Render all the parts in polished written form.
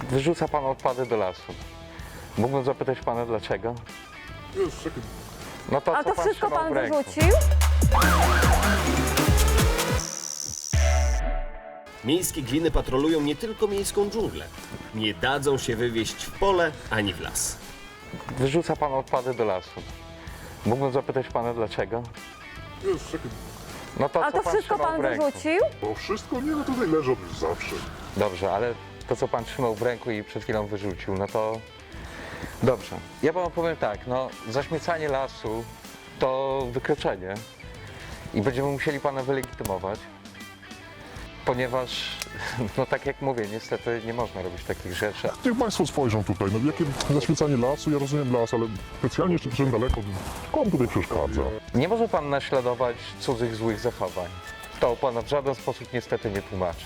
Wyrzuca pan odpady do lasu. Mógłbym zapytać pana dlaczego? Już, czekaj. No to A co to wszystko trzymał pan w ręku? wyrzucił? Miejskie gliny patrolują nie tylko miejską dżunglę. Nie dadzą się wywieźć w pole ani w las. Wyrzuca pan odpady do lasu. Mógłbym zapytać pana dlaczego? Już, czekaj. No to A co to wszystko trzymał pan w ręku? wyrzucił? Bo wszystko nie, no tutaj leżą już zawsze. Dobrze, ale to co pan trzymał w ręku i przed chwilą wyrzucił, no to... Dobrze. Ja panu powiem tak, no zaśmiecanie lasu to wykroczenie i będziemy musieli pana wylegitymować, ponieważ, no tak jak mówię, niestety nie można robić takich rzeczy. Niech Państwo spojrzą tutaj, no jakie zaświecanie lasu, ja rozumiem las, ale specjalnie jeszcze przyszedłem daleko, komu tutaj przeszkadza? Nie może pan naśladować cudzych złych zachowań. To pana w żaden sposób niestety nie tłumaczy.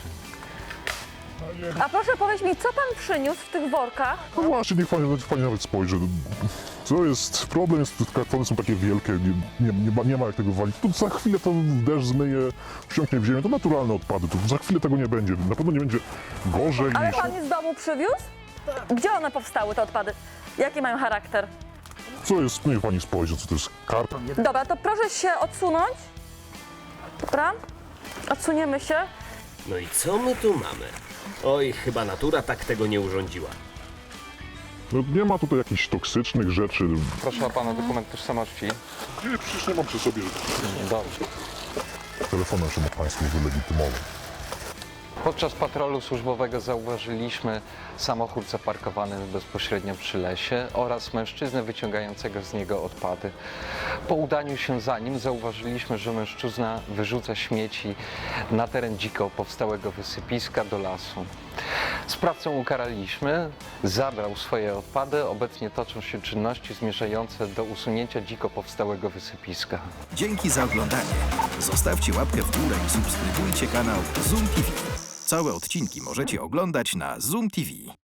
A proszę powiedzieć mi, co pan przyniósł w tych workach? No właśnie, niech Pani nawet spojrzy. Co jest, problem jest, te kartony są takie wielkie, nie ma jak tego walić. Tu za chwilę to deszcz zmyje, wsiąknie w ziemię, to naturalne odpady, tu za chwilę tego nie będzie, na pewno nie będzie gorzej Ale niż... pan je z domu przywiózł? Gdzie one powstały, te odpady? Jaki mają charakter? Co jest, niech Pani spojrzy, co to jest karta? Dobra, to proszę się odsunąć. Dobra? Odsuniemy się. No i co my tu mamy? Oj, chyba natura tak tego nie urządziła. No, nie ma tutaj jakichś toksycznych rzeczy. Proszę o pana dokument tożsamości. Nie, przecież nie mam przy sobie Dobrze. telefonu, żeby Państwu wylegitymował. Podczas patrolu służbowego zauważyliśmy samochód zaparkowany bezpośrednio przy lesie oraz mężczyznę wyciągającego z niego odpady. Po udaniu się za nim zauważyliśmy, że mężczyzna wyrzuca śmieci na teren dziko powstałego wysypiska do lasu. Sprawcę ukaraliśmy, zabrał swoje odpady, obecnie toczą się czynności zmierzające do usunięcia dziko powstałego wysypiska. Dzięki za oglądanie. Zostawcie łapkę w górę i subskrybujcie kanał Zoom TV. Całe odcinki możecie oglądać na Zoom TV.